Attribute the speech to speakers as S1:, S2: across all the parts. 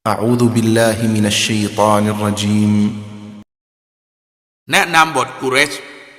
S1: أعوذ بالله من الشيطان الرجيم
S2: แนะนำบทกุเรช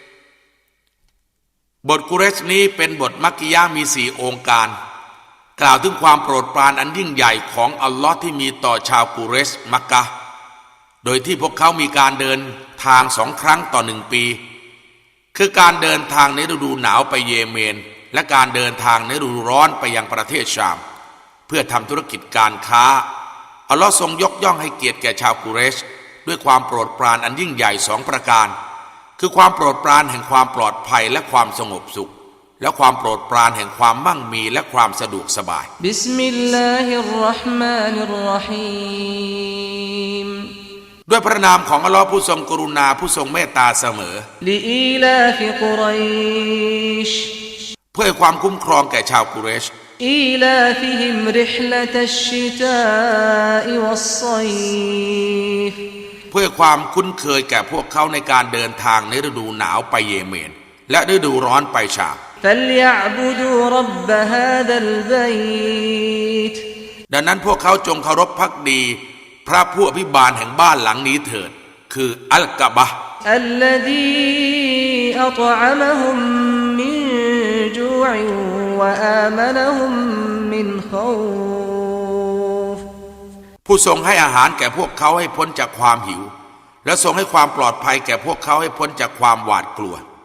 S2: บทกุเรชนี้เป็นบทมักกิยะห์มี4องค์การกล่าวถึงความโปรดปรานอันยิ่งใหญ่ของอัลลอฮ์ที่มีต่อชาวกุเรชมักกะห์โดยที่พวกเขามีการเดินทาง2 ครั้งต่อ1 ปีคือการเดินทางในฤดูหนาวไปเยเมนและการเดินทางในฤดูร้อนไปยังประเทศชามเพื่อทำธุรกิจการค้าอัลลอฮ์ทรงยกย่องให้เกียรติแก่ชาวกุเรชด้วยความโปรดปรานอันยิ่งใหญ่2 ประการคือความโปรดปรานแห่งความปลอดภัยและความสงบสุขและความโปรดปรานแห่งความมั่งมีและความสะดวกสบาย
S3: บิสมิลลาฮิรเราะห์มานิรเราะฮีม
S2: ด้วยพระนามของอัลลอฮ์ผู้ทรงกรุณาผู้ทรงเมตตาเสมอ
S3: ลิอีลาฟิกุรัยช
S2: เพื่อความคุ้มครองแก่ชาวกุเรช
S3: อีลาฟิฮิมริฮละตัชชิตาอิวัศศอยฟ
S2: เพื่อความคุ้นเคยแก่พวกเขาในการเดินทางในฤดูหนาวไปเยเมนและฤดูร้อนไปชาม
S3: فَلْيَعْبُدُوا رَبَّ هَذَا الْبَيْتِ
S2: ดังนั้นพวกเขาจงเคารพภักดีพระผู้อภิบาลแห่งบ้านหลังนี้เถิดคืออัลกะบะห์
S3: الَّذِي أَطْعَمَهُم مِّن جُوعٍ وَآمَنَهُم مِّنْ خَوْفٍ
S2: ผู้ทรงให้อาหารแก่พวกเขาให้พ้นจากความหิวและทรงให้ความปลอดภัยแก่พวกเขาให้พ้นจากความหวาดกลัว